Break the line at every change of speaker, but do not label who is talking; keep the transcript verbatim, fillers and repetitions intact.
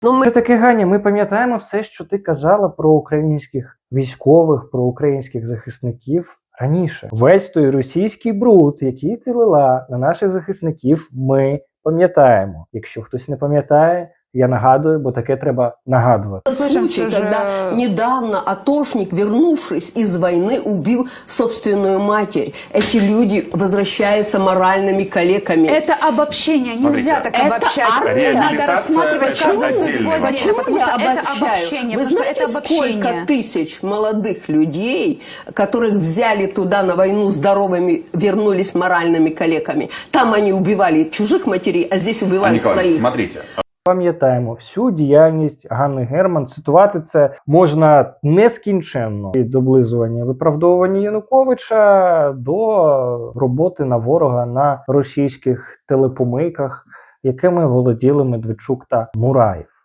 Ну, ми...
Що таке, Ганя, ми пам'ятаємо все, що ти казала про українських військових, про українських захисників раніше. Весь той російський бруд, який ти лила на наших захисників, ми пам'ятаємо. Якщо хтось не пам'ятає, я нагадую, бо таке треба нагадувати.
Случай,
же...
когда недавно атошник, вернувшись из войны, убил собственную матерь. Эти люди возвращаются моральными калеками.
Это обобщение.
Смотрите,
Нельзя так
это
обобщать.
армия.
Надо рассматривать каждую судьбу
отдельный
отдельно.
Почему
Потому
я
что это
обобщаю?
обобщение.
Вы
Потому
знаете,
что это обобщение.
сколько тысяч молодых людей, которых взяли туда на войну здоровыми, вернулись моральными калеками? Там они убивали чужих матерей, а здесь убивали своих.
Смотрите.
Пам'ятаємо всю діяльність Ганни Герман. Цитувати це можна нескінченно. Від облизування виправдовування Януковича до роботи на ворога на російських телепомийках, якими володіли Медведчук та Мураєв.